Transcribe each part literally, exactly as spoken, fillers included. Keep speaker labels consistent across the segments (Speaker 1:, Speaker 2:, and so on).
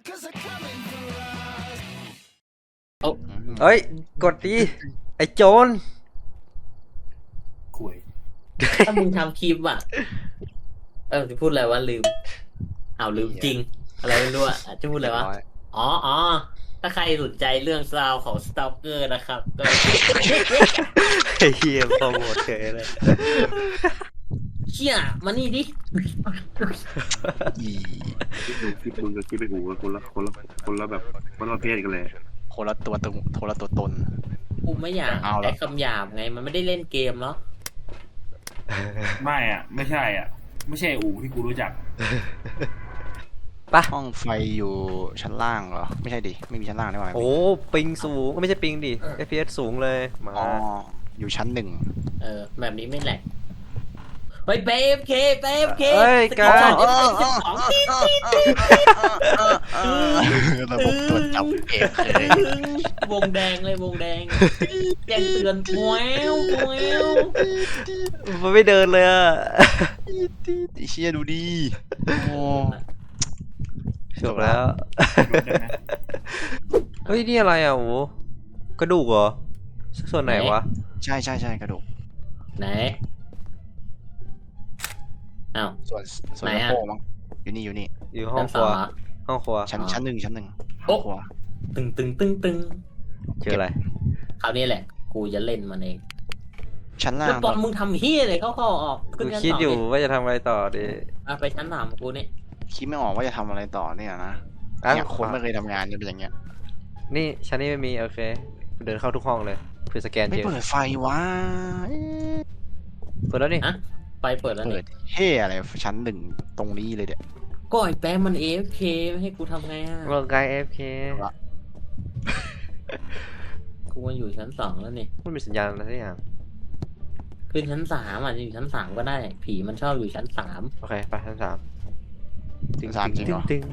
Speaker 1: โอ้
Speaker 2: เฮ้ยกดดีไอ้โจร
Speaker 3: คุย
Speaker 1: ถ้ามึงทำคลิปอ่ะเออจะพูดอะไรวะลืมอ้าวลืมจริง อะไรไม่รู้อ่ะจะพูดอะไรวะอ๋ออ๋อถ้าใครสนใจเรื่องราวของสตอกเกอร์นะครับก็
Speaker 2: ไอ้เหี้ยโปรโมทเฉยเลย
Speaker 1: เชี่ยมานี่ดิ
Speaker 4: อี
Speaker 3: คิดดูคิดมึงกับคิดไปหูกันคนละคนละคนละแบบคนละประเภทกันเลย
Speaker 4: คนละตัวตนคนละตัวตน
Speaker 1: กูไม่อยาก
Speaker 4: เอาละ
Speaker 1: ใช้คำหยาบไงมันไม่ได้เล่นเกมเนาะ
Speaker 3: ไม่อ่ะ ไม่ใช่อ่ะ ไม่ใช่อู่ที่กูรู้จัก
Speaker 2: ปะ
Speaker 4: ห้องไฟอยู่ชั้นล่างเหรอไม่ใช่ดิไม่มีชั้นล่างได้ไหม
Speaker 2: โอ้ปิงสูงก็ไม่ใช่ปิงดิ เอฟ พี เอส สูงเลยมา
Speaker 4: อ๋ออยู่ชั้นหนึ่ง
Speaker 1: เออแบบนี้ไม่แหลกเฮ้ยเปฟเคเปฟเค
Speaker 2: เฮ้ย
Speaker 1: ส
Speaker 2: กา
Speaker 1: กิลช็อ
Speaker 2: ร
Speaker 1: ตเอฟเอฟสองตีตีตี
Speaker 4: ระบบตรวจจับเองเลยว
Speaker 1: งแดงเลยวงแดงแจ้งเตือนแววแวว
Speaker 2: มันไม่เดินเลยอะ
Speaker 4: ไอ้เชี่ยดูดิโอ้
Speaker 2: จบแล้ว เฮ้ยนี่อะไรอ่ะโอ้กระดูกเหรอส่วนไหนวะ
Speaker 4: ใช่ใช่ใช่กระดูก
Speaker 1: ไหนอ้าว
Speaker 4: ส่วนส่วน
Speaker 1: ไหน
Speaker 4: สะ
Speaker 1: อะ
Speaker 4: โพกมั้งอยู่นี่อยู่นี่
Speaker 2: อยู่ห้อ
Speaker 1: ชั้
Speaker 2: ง
Speaker 1: น
Speaker 2: ค
Speaker 1: ส
Speaker 2: รั
Speaker 1: อ
Speaker 2: ว
Speaker 1: งเหรอ
Speaker 2: ห้องครัว
Speaker 4: ชั้น
Speaker 1: อ๋อ
Speaker 4: ชั้นหนึ่งชั้นหนึ่ง
Speaker 1: โอ๊ะ
Speaker 4: ครัว
Speaker 1: ตึงตึงตึงตึง
Speaker 2: เจออะไร
Speaker 1: คราวนี้แหละ กูจะเล่นมันเอง
Speaker 4: ชั้นล่า
Speaker 1: แล้ว
Speaker 4: ง
Speaker 1: ตอนมึงทำเฮียอะไรเข้าเข้าออก
Speaker 2: กู
Speaker 1: ขึ้นชั้น
Speaker 2: คิด
Speaker 1: สอง
Speaker 2: อยู่
Speaker 1: ดิ
Speaker 2: ว่าจะทำอะไรต่อดี
Speaker 1: อ่ะไปชั้นสามกูนี่
Speaker 4: คิดไม่ออกว่าจะทำอะไรต่อเนี่ยนะ
Speaker 2: อ้าว
Speaker 4: เนี่ยคนไม่เคยทำงานจะเป็นอย่างเงี้ย
Speaker 2: นี่ชั้นนี้ไม่มีโอเคเดินเข้าทุกห้องเลยเพื่อสแกน
Speaker 4: ไม่
Speaker 2: เจอ
Speaker 4: เปิดไฟวะเอ๊ะ
Speaker 2: เปิดแล้วนี่
Speaker 1: ไปเปิดแล้ว
Speaker 4: เปิ
Speaker 1: นี่
Speaker 4: ดเฮ่อะไรชั้นหนึ่งตรงนี้เลยเดี๋ย
Speaker 1: ก็ไอ้แป๊มมัน เอ เอฟ เค ไม่ให้กูทำไงอ่ะ
Speaker 2: ร่างกาย เอฟ เค
Speaker 1: กูมาอยู่ชั้นสองแล้วนี่
Speaker 2: มันมีสัญญาณอะไรสักอย่าง
Speaker 1: ขึ้นชั้นสามอ่ะจะอยู่ชั้นสามก็ได้ ผีมันชอบอยู่ชั้นสาม
Speaker 2: โอเคไปชั้นสาม
Speaker 4: ชั้นสามจริงเหรอ
Speaker 2: ตึง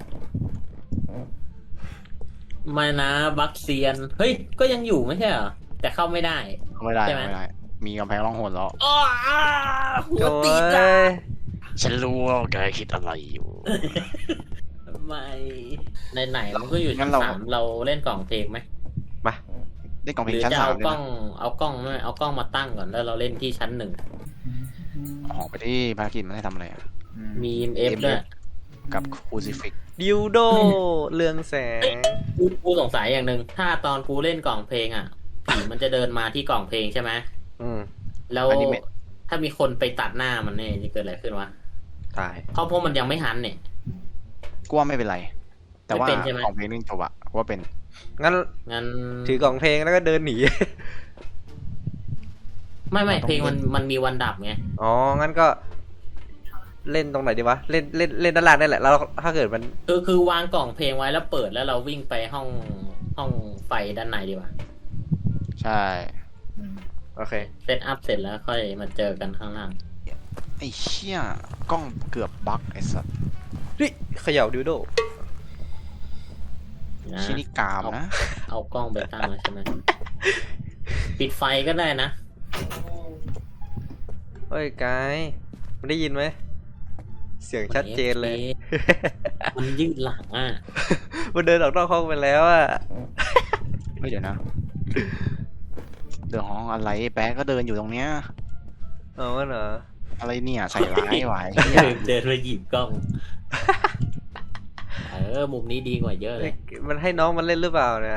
Speaker 1: ไม่นะบัคเซียน เฮ้ย ก็ยังอยู่ไม่ใช่เหรอ แต่เข้าไม่ได้
Speaker 4: ไม่ได้
Speaker 1: ใช่ไหม
Speaker 4: ไม่ได้ มีกำแพงร่องหนแล้ว
Speaker 1: อ้อหั
Speaker 2: โอ้
Speaker 1: วติดอ่ะ
Speaker 2: ย
Speaker 4: ฉันรู้ว่าแกคิดอะไรอยู่
Speaker 1: ไม่ในไหนๆมันก็อยู่
Speaker 4: งั้
Speaker 1: ชั้น
Speaker 4: นเรา
Speaker 1: สามเราเล่นกล่องเพลงไหม
Speaker 2: มา
Speaker 4: ได้กล่อง
Speaker 1: ห
Speaker 4: เพล
Speaker 1: รื
Speaker 4: ง
Speaker 1: อ
Speaker 4: ชั้น
Speaker 1: จะ
Speaker 4: สาม
Speaker 1: เอา
Speaker 4: เลย
Speaker 1: กล้อ
Speaker 4: นะ
Speaker 1: งเอากล้องไม่เอากล้องมาตั้งก่อนแล้วเราเล่นที่ชั้นหนึ่ง
Speaker 4: ออกไปที่ภารกิจมันให้ทำอะไรอะ
Speaker 1: มีเอฟด้วย
Speaker 4: กับคูซิฟิก
Speaker 2: ดิวโดเรืองแสง
Speaker 1: กูกูสงสัยอย่างหนึ่งถ้าตอนกูเล่นกล่องเพลงอ่ะผีมันจะเดินมาที่กล่องเพลงใช่ไหม
Speaker 2: อืม
Speaker 1: แล้วถ้ามีคนไปตัดหน้ามันเนี่ยจะเกิดอะไรขึ้นวะ
Speaker 2: ตาย
Speaker 1: เพราะเพราะมันยังไม่หันเนี่ย
Speaker 4: กูว่าไม่เป็นไร แต่ว่า
Speaker 1: ไม่เป็นใช่ไหม
Speaker 4: ของเพลงนึงจบอะกูว่าเป็น
Speaker 2: งั้น
Speaker 1: งั้น
Speaker 2: ถือกล่องเพลงแล้วก็เดินหนี
Speaker 1: ไม่ไม่เพลงมันมันมีวันดับไง
Speaker 2: อ๋อ งั้นก็ เล่นตรงไหนดีวะ เล่นเล่นเล่นด้านล่างได้แหละ แล้วถ้าเกิดมัน
Speaker 1: คือคือวางกล่องเพลงไว้แล้วเปิดแล้วเราวิ่งไปห้องห้องไฟด้านในดีกว่า
Speaker 4: ใช่
Speaker 2: โอเค
Speaker 1: เซตอัพเสร็จแล้วค่อยมาเจอกันข้างล่าง
Speaker 4: ไอ้เชี่ยกล้องเกือบบั๊กไอ้สัส
Speaker 2: นี่เขย่าดิวโด
Speaker 1: นะ
Speaker 4: ชินิกามนะ
Speaker 1: เอากล้องไปตั้งแล้วใช่ไหมปิดไฟก็ได้นะ
Speaker 2: เฮ้ยกายมันได้ยินไหม เสียงชัดเจนเลย
Speaker 1: มันยืดหลังอ่ะ
Speaker 2: มันเดินออกนอกห้องไปแล้วอ่ะ
Speaker 4: เฮ้ยเดี๋ยวนะ เดือดห้องอะไรแป๊ะก็เดินอยู่ตรงเนี้ย
Speaker 2: เอาวะเหรอ
Speaker 4: อะไรเนี่ยใส่ร้ายไว้
Speaker 1: เดินเดินไปหยิบกล้อง เออ มุมนี้ดีกว่าเยอะเลย
Speaker 2: มันให้น้องมันเล่นหรือเปล่าเนี่ย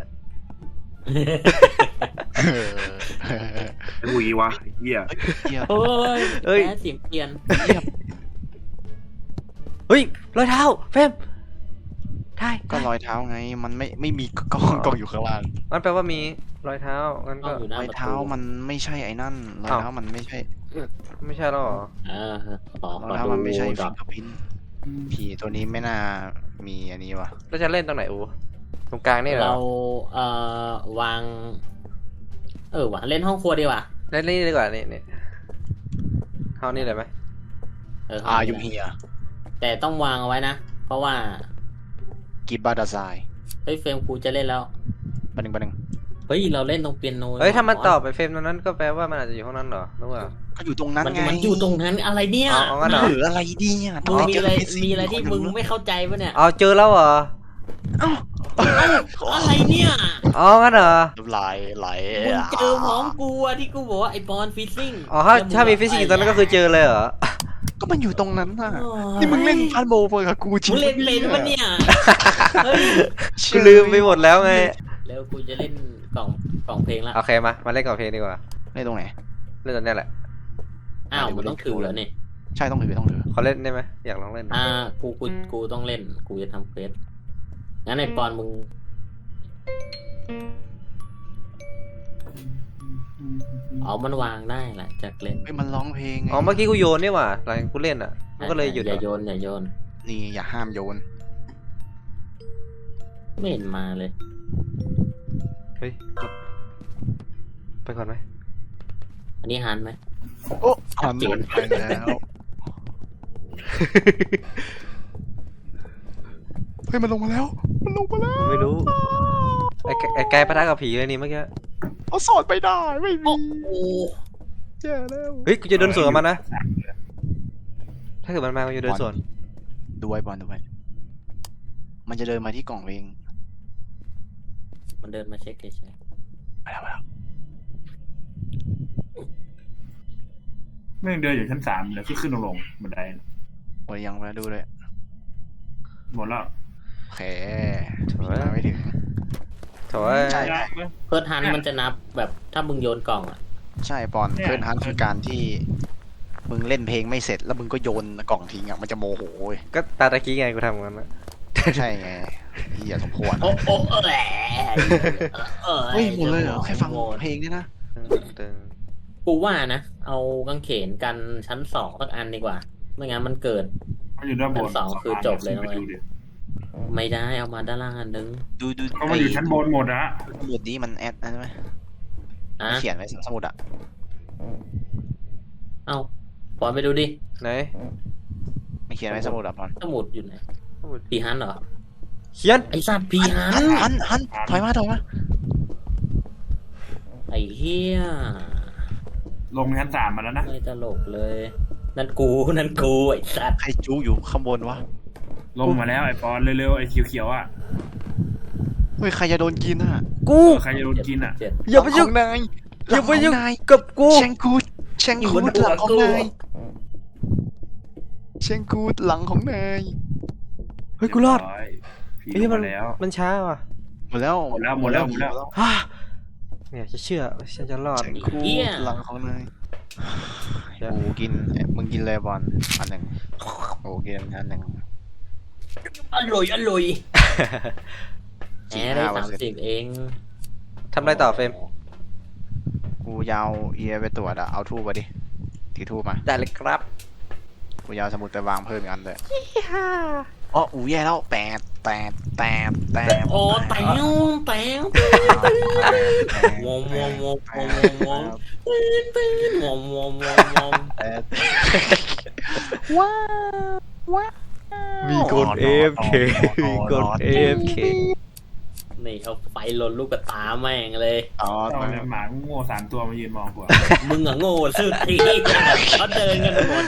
Speaker 3: ไอ้หูยีวะไอ้เหี้ย
Speaker 4: เหี้ย
Speaker 1: โอ้ย
Speaker 2: เอ้ย
Speaker 1: แพ้เสียงเปลี่ยน
Speaker 4: เหี้ย
Speaker 2: เฮ้ยรอยเท้าเฟมได้
Speaker 4: ก็รอยเท้าไง มันไม่ไม่มีกล้องกล้องอยู่ข้างล่าง
Speaker 2: มันแปลว่ามีรอยเท้างั้น
Speaker 1: กล้
Speaker 2: ก็
Speaker 1: องอยู่หน้าร
Speaker 4: อย
Speaker 1: ประ
Speaker 4: เท้า
Speaker 1: ตู
Speaker 4: มันไม่ใช่ไอ้นั่นรอยเท้ามันไม่ใช่
Speaker 2: ไม่ใช่หรอ
Speaker 1: อ่าขอ
Speaker 4: รอย
Speaker 1: ขอ
Speaker 4: เท้า
Speaker 1: ดู
Speaker 4: มันไม่ใช่
Speaker 1: ด
Speaker 4: ฟิ
Speaker 1: อก
Speaker 4: งเกอร์พินผีตัวนี้ไม่น่ามีอันนี้วะ
Speaker 2: แล้วจะเล่นตรงไหนอูตรงกลางนี่เหรอ
Speaker 1: เราเอ่อวาง เออว่ะเล่นห้องครัวดีกว่า
Speaker 2: เล่นนี่ดีกว่านี่นี่เท่านี้เลยไหม
Speaker 1: เออ
Speaker 4: อายุเฮีย
Speaker 1: แต่ต้องวางเอาไว้นะ เพราะว่า
Speaker 4: กิบบาดาไซ
Speaker 1: เฮ้ยเฟรมกูจะเล่นแล้ว
Speaker 4: ปันหนึ่งปันหนึ่ง
Speaker 1: เฮ้ยเราเล่นตรงเปียโน
Speaker 2: เฮ้ยถ้ามันตอบไปเฟรมตรงนั้นก็แปลว่ามันอาจจะอยู่ห้องนั้นเหรอหรือว่า
Speaker 4: ก็อยู่ตรงนั้น
Speaker 1: มัน
Speaker 4: ไง
Speaker 1: มันอยู่ตรงนั้นอะไรเนี่ย
Speaker 2: อ๋ออ๋องั้นเหร
Speaker 4: เหลืออะไรดีอ่ะ
Speaker 1: มึงมีอะไร
Speaker 4: เจ
Speaker 1: มีอะไรที่มึงไม่เข้าใจปะเนี่ย
Speaker 2: เอาเจอแล้วเหรอ
Speaker 4: เอ้า
Speaker 1: อะไรเนี่ย
Speaker 2: อ๋องั้นเหรอ
Speaker 4: น้ำลายไหล
Speaker 1: มึงเจอพร้อมกูอะที่กูบอกว่าไอ้บอลฟิซซิ่ง
Speaker 2: อ๋อถ้าถ้ามีฟิสิกส์อยู่ตรงนั้นก็คือเจอเลยเหรอ
Speaker 4: ก็มันอยู่ตรงนั้นน่ะนี่มึงเล่นพันโบว์กับกูจริ
Speaker 1: มึ
Speaker 4: ง
Speaker 1: งเล่นเป็นปะเนี่ยเฮ้ย
Speaker 2: กูลืมไปหมดแล้วไง
Speaker 1: แล้วกูจะเล่นกล่องกล่องเพลงละ
Speaker 2: โอเคมามาเล่นกับเพลงดีกว่า
Speaker 4: เล่นตรงไหน
Speaker 2: เล่นตรงเนี้ยแหละ
Speaker 1: อ้าวมันต้องถือแล้วนี่
Speaker 4: ใช่ต้องถือต้องถือ
Speaker 2: ขอเล่นได้ไหมอยากลองเล่น
Speaker 1: อ่ากูกูกูต้องเล่นกูจะทำเควสงั้นไอ้บอลมึงเอามันวางได้แหละจากเล่น
Speaker 4: เฮ้ยมันร้องเพลงไง
Speaker 2: อ๋อเมื่อกี้กูโยนนี่หว่าหลังกูเล่นอ่ะมันก็เลยหยุด
Speaker 1: อย่า
Speaker 2: อ่ะ
Speaker 1: โยนอย่าโยน
Speaker 4: นี่อย่าห้ามโยน
Speaker 1: ไม่เห็นมาเลย
Speaker 2: เฮ้ยไปก่อนไหม
Speaker 1: อันนี้หันไหม
Speaker 4: โอ้
Speaker 1: ชัดเจน
Speaker 4: ไปแล้วเฮ้ยมันลงมาแล้ว มันลงมาแล้ว
Speaker 2: ไม่รู้ไอ้ไก่ไอ้ไก่ปะทะกับผีเลยนี่เมื่อกี้
Speaker 4: เอาสอดไปได้ไม่มี
Speaker 1: โอ้
Speaker 4: แย่แล้ว
Speaker 2: เฮ้ยกูจะเดินสวนกับมันนะถ้าเกิดมันมากูจะเดินสวน
Speaker 4: ดูไว้บอลดูไว้มันจะเดินมาที่กล่องเพลง
Speaker 1: มันเดินมาเช็คเฉย
Speaker 4: ไปแล้วไปแล้ว
Speaker 3: ไม่งเดินอยู่ชั้นสามเลยขึ้นขึ้นลงลงบันได
Speaker 4: โอ้ยยังไปดูเลย
Speaker 3: หมดแล้ว
Speaker 4: โอเค
Speaker 2: โถ่
Speaker 4: มาไม่ถึง
Speaker 2: โถ่ย
Speaker 4: ใช่
Speaker 1: ๆเพิร์ทฮันมันจะนับแบบถ้ามึงโยนกล่องอ่ะ
Speaker 4: ใช่ปอนเพื่อนฮันคือการที่มึงเล่นเพลงไม่เสร็จแล้วมึงก็โยนกล่องทิ้งอ่ะมันจะโมโหเว้ย
Speaker 2: ก็ตาตะกี้ไงกูทำกันนะ
Speaker 4: ใช่ไงเฮียสมควร
Speaker 1: โอ้โอ้เออแหละเออ
Speaker 4: เฮ้ยหมดเลยเหรอแค่ฟัง
Speaker 1: หมด
Speaker 4: เพลงเนี่ยนะ
Speaker 2: ตึง
Speaker 1: กูว่านะ เอากางเขนกันชั้นสองสักอันดีกว่า ไม่งั้นมันเกิด
Speaker 3: มันอยู่ด้านบน
Speaker 1: ชั้นสองคือจบเลยนะ
Speaker 3: ไป
Speaker 1: เว้ย
Speaker 3: ดูดิ
Speaker 1: ไม่ได้เอามาด้านล่างอันนึง
Speaker 4: ดูดู
Speaker 3: ก็มันอยู่ชั้นบนหมดอะ
Speaker 4: สมุดนี้มันแอดนะใช่ไหม
Speaker 1: อ่ะ
Speaker 4: เขียนไว้สมุดอ่ะ
Speaker 1: เอาปอนไปดูดิ
Speaker 2: ไหน
Speaker 4: ไม่เขียนไว้สมุดอ่ะปอน
Speaker 1: สมุดอยู่ไหนพีฮันเหรอ
Speaker 2: เขียน
Speaker 1: ไอ้สัตว์พีฮั
Speaker 4: หั
Speaker 1: น
Speaker 4: นหันหันถอยมาถอยมา
Speaker 1: ไอ้เฮีย
Speaker 3: ลงชั้นสามมาแล้วนะ
Speaker 1: ไม่ตลกเลย นั่นกูนั่นกูไอ้สัตว์
Speaker 4: ใครจู้อยู่ข้างบนวะ
Speaker 3: ลงมาแล้วไอ้ปอนเร็วๆไอ้เขียวๆอ่ะ
Speaker 4: เฮ้ยใครจะโดนกินอ่ะ
Speaker 2: กู
Speaker 3: เออใครจะโดนกินอ่ะ
Speaker 1: เจ็ด
Speaker 2: อย่าไปยุ่ง
Speaker 4: หลังของนาย
Speaker 2: อย่าไปยุ่ง
Speaker 4: หลังของนาย
Speaker 2: กับกู
Speaker 4: เชงกูดเชงกูดหลังของนายเชงกูดหลังของนาย
Speaker 2: เฮ้ยกูรอด
Speaker 3: ผี
Speaker 2: เฮ้ย
Speaker 3: ลง
Speaker 2: มัน
Speaker 3: มาแล้ว
Speaker 2: มันช้าว่ะ
Speaker 4: หมดแล้ว
Speaker 3: หมดแล้วหมดแล้วหมดแล้ว
Speaker 2: ฮ่าเนี่ยจะเชื่อฉันจะรอด
Speaker 4: เชงกูดหลังของนาย
Speaker 2: เดี๋ยว
Speaker 4: กูกินมึงกินเลยบอลอันหนึ่งโอ้กินอันหนึ่ง
Speaker 1: อร่อยอร่อยแห
Speaker 4: สี่
Speaker 1: มได้
Speaker 4: ห้าเปอ
Speaker 1: สา
Speaker 4: ร์
Speaker 1: ม
Speaker 4: เซ็นต์
Speaker 1: สิบเอง
Speaker 2: ทำอะไรต่อเฟรม
Speaker 4: กูยาวเอียไปตรวจอะเอาทูบมาดิถือทูบมา
Speaker 2: ได้เลยครับ
Speaker 4: กูยาวสมุดไปวางเพิ่มอีกอันเลยอ๋ออูแย่แล้วแปดแปดแปดแปด
Speaker 1: โอ้แตงแตงวอมวอมวอมวอมวอมวอมปืนปืนวอมวอมวอมวอม
Speaker 4: แปดว้าวว้าว
Speaker 2: มีกด เอ ฟ เค มีกด เอ ฟ เค
Speaker 1: นี่เอาไฟลนลูกกระตาแม่งเลย
Speaker 4: อ๋อ
Speaker 3: ตอนนี้หมาโง่สามตัวมายืนมองกูอะ
Speaker 1: มึงอะโง่สุดทีเขาเดินกันหมด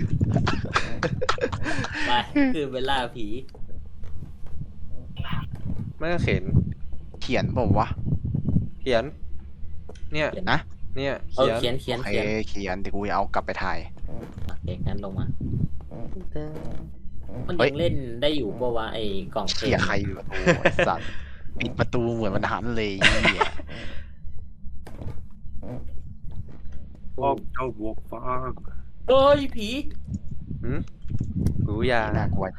Speaker 1: ไปคือเวลาผี
Speaker 2: ไม่ก็เขียน
Speaker 4: เขียนบอกวะ
Speaker 2: เขียน เนี่ย
Speaker 1: เขียน
Speaker 4: นะ
Speaker 2: เนี่ย
Speaker 1: เออ
Speaker 2: เขียน
Speaker 1: เขียนเขียน
Speaker 4: โอเค
Speaker 1: เขียน
Speaker 4: เขียนเดี๋ยวกูจะเอากลับไปถ่าย
Speaker 1: โอเคงั้นลงมา มัน
Speaker 4: เฮ้
Speaker 1: ยั
Speaker 4: ย
Speaker 1: งเล่นได้อยู่ปะวะไอ้กล่องเพล
Speaker 4: เขีย
Speaker 1: ง
Speaker 4: ใครอยู่ประตูไอ้สัตว์ปิดประตูเหมือนมันหันเลยไอ้เหี้ย
Speaker 3: พ่อเจ้าบวกฟ้า
Speaker 1: เฮ้ยผี
Speaker 2: หืมกูยา
Speaker 4: น่ากลัว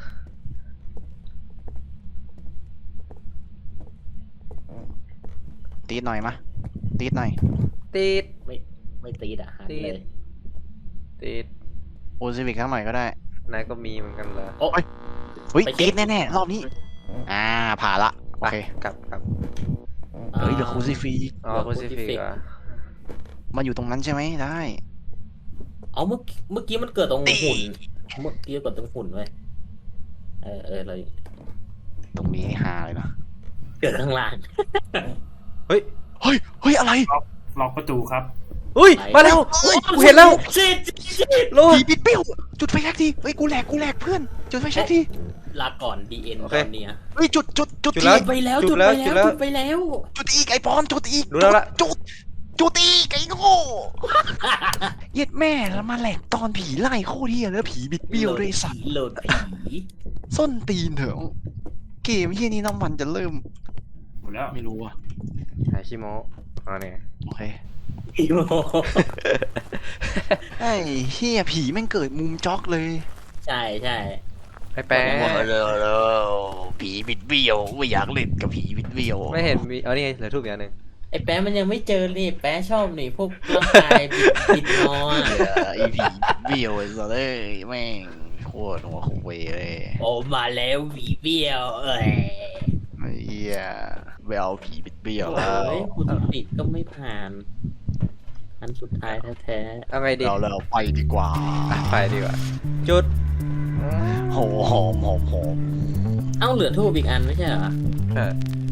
Speaker 4: ตีดหน่อยมะตีดหน่อย
Speaker 2: ติด
Speaker 1: ไม่ไม่ตีดอะหัน
Speaker 2: ตีด
Speaker 1: เลย
Speaker 2: ติด
Speaker 4: โอซิวิกข้างหน่อยก็ได้
Speaker 2: นายก็มีเหมือนกันเลย
Speaker 1: โอ้ย
Speaker 4: เฮ้ย
Speaker 1: ไปเช็
Speaker 4: ตี
Speaker 1: ค
Speaker 4: ดแน่ๆรอบนี้ อ่าผ่านละโอเค
Speaker 2: กลับกลับ
Speaker 4: เฮ้ยเดี๋ยวคูซิฟี
Speaker 2: อ๋อ
Speaker 1: เหลือ
Speaker 2: โพซิฟิก
Speaker 1: Crucifix
Speaker 2: อ่ะ
Speaker 4: มันอยู่ตรงนั้นใช่ไหมได้
Speaker 1: เอาเมื่อกี้เมื่อกี้มันเกิดตรงหุ่น เมื่อกี้เกิดตรงหุ่นเว้ยเออเออเรา
Speaker 4: ตรงนี้ฮาเลยนะ
Speaker 1: เกิดข้างล่าง
Speaker 2: เฮ้ย
Speaker 4: เฮ้ยเฮ้ยอะไร
Speaker 5: ล็อกประตูครับ
Speaker 2: อุ้ยมาแล้วกูเห็นแล้ว
Speaker 1: ชิดชิด
Speaker 2: โล
Speaker 4: ผีบิดเบี้ยวจุดไฟแช็กทีเฮ้ยกูแหลกกูแหลกเพื่อนจุดไฟแช็กที
Speaker 1: ลาก่อนดีเอ็น
Speaker 2: โอ
Speaker 1: ต
Speaker 2: เค
Speaker 1: อนเนี้ย
Speaker 4: เฮ้ยจุดจุดจุด
Speaker 2: จุด
Speaker 4: ที
Speaker 2: แล้ว
Speaker 1: ไปแล้ว
Speaker 2: จุ
Speaker 1: จุ
Speaker 2: ด
Speaker 1: ด
Speaker 2: แล้
Speaker 1: ไป
Speaker 2: ว
Speaker 1: แล้ว
Speaker 2: จุดแล้ว
Speaker 1: จุดไปแล้ว
Speaker 4: จุดอีกไอ้ปอนจุดอีก
Speaker 2: รู้แล้วละ
Speaker 4: จุดจุดอีกไอ้โง่เย็ดแม่แล้วมาแหลกตอนผีไล่โคตรเฮียแล้วผีบิดเบี้ยวด้วยไอ้สัตว์
Speaker 1: โหลดผี
Speaker 4: ส้นตีนเถอะเกมเฮียนี้น้ำมันจะเริ่ม
Speaker 5: หมดแล้ว
Speaker 4: ไม่รู้อ่ะ
Speaker 2: หายชิโมะอ๋อเนี่ย
Speaker 4: โอเค
Speaker 1: ผีโม
Speaker 4: ไอ้เฮียผีแม่งเกิดมุมจ็อกเลย
Speaker 1: ใช่ใช่
Speaker 2: ไอ้แป๊ะ
Speaker 4: ผีบิดเบี้ยวไม่อยากเล่นกับผีบิดเบี้ยว
Speaker 2: ไม่เห็นมีเอานี่ไงเหลือทูบอย่างหนึ่ง
Speaker 1: ไอ้แป๊ะมันยังไม่เจอนี่แป๊ะชอบนี่พวกร่างกายบิดบิดงออะ
Speaker 4: ไอ้ผีบิดเบี้ยวไอ้สัสเอ้ยแม่งโคตรหัวคุยเลย
Speaker 1: โอ้มาแล้วผีเบี้ยวเอ้ย
Speaker 4: ไอ้เฮียไปเอาผีบิดเบี้ยวแล้ว
Speaker 1: เฮ้ยคุณติดก็ไม่ผ่านอันสุดท้ายแท้
Speaker 2: เอาไงดี
Speaker 4: เราเราไปดีกว่า
Speaker 2: อ่ะไปดีกว่าจุด
Speaker 4: หอมหอมหอมหอม
Speaker 1: ๆเอ้าเหลือทูบอีกอันไม่ใช่เหรอ
Speaker 2: ใช่